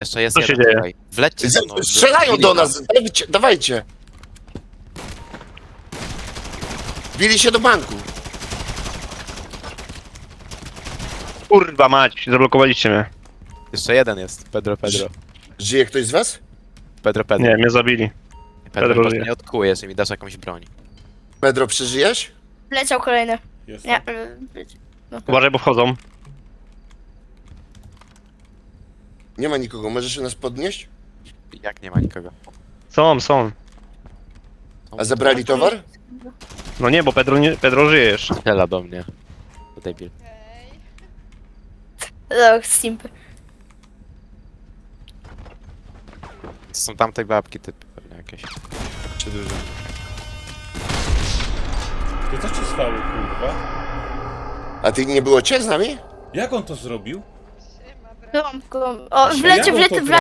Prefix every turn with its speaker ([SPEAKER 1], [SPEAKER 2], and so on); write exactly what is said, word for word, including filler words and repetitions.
[SPEAKER 1] Jeszcze jest
[SPEAKER 2] Co się
[SPEAKER 1] jeden
[SPEAKER 2] dzieje?
[SPEAKER 1] tutaj. Wlećcie ze mną.
[SPEAKER 3] Strzelają
[SPEAKER 1] Bili
[SPEAKER 3] do
[SPEAKER 1] nas.
[SPEAKER 3] nas, dawajcie, dawajcie. Bili się do banku.
[SPEAKER 2] Kurwa mać, zablokowaliście mnie.
[SPEAKER 1] Jeszcze jeden jest. Pedro, Pedro.
[SPEAKER 3] Żyje ktoś z was?
[SPEAKER 1] Pedro, Pedro.
[SPEAKER 2] Nie, mnie zabili.
[SPEAKER 1] Pedro,
[SPEAKER 2] Pedro
[SPEAKER 1] może
[SPEAKER 2] żyje.
[SPEAKER 1] nie odkujesz i mi dasz jakąś broń.
[SPEAKER 3] Pedro, przeżyjesz?
[SPEAKER 4] Leciał kolejny.
[SPEAKER 5] Jest.
[SPEAKER 4] Nie. y,
[SPEAKER 2] Uważaj, bo wchodzą.
[SPEAKER 3] Nie ma nikogo, możesz nas podnieść?
[SPEAKER 1] Jak nie ma nikogo?
[SPEAKER 2] Są, są.
[SPEAKER 3] A zabrali towar?
[SPEAKER 2] No nie, bo Pedro, nie, Pedro żyje jeszcze.
[SPEAKER 1] Strzela do mnie. To debil.
[SPEAKER 4] No, simpy.
[SPEAKER 1] To są tamte babki typy pewnie jakieś.
[SPEAKER 3] Czy dużo?
[SPEAKER 5] To co ci stało, kurwa?
[SPEAKER 3] A ty nie było cię z nami?
[SPEAKER 5] Jak on to zrobił?
[SPEAKER 4] Byłam go. O,
[SPEAKER 5] Jak
[SPEAKER 4] wleciał,
[SPEAKER 5] on to
[SPEAKER 4] wleciał,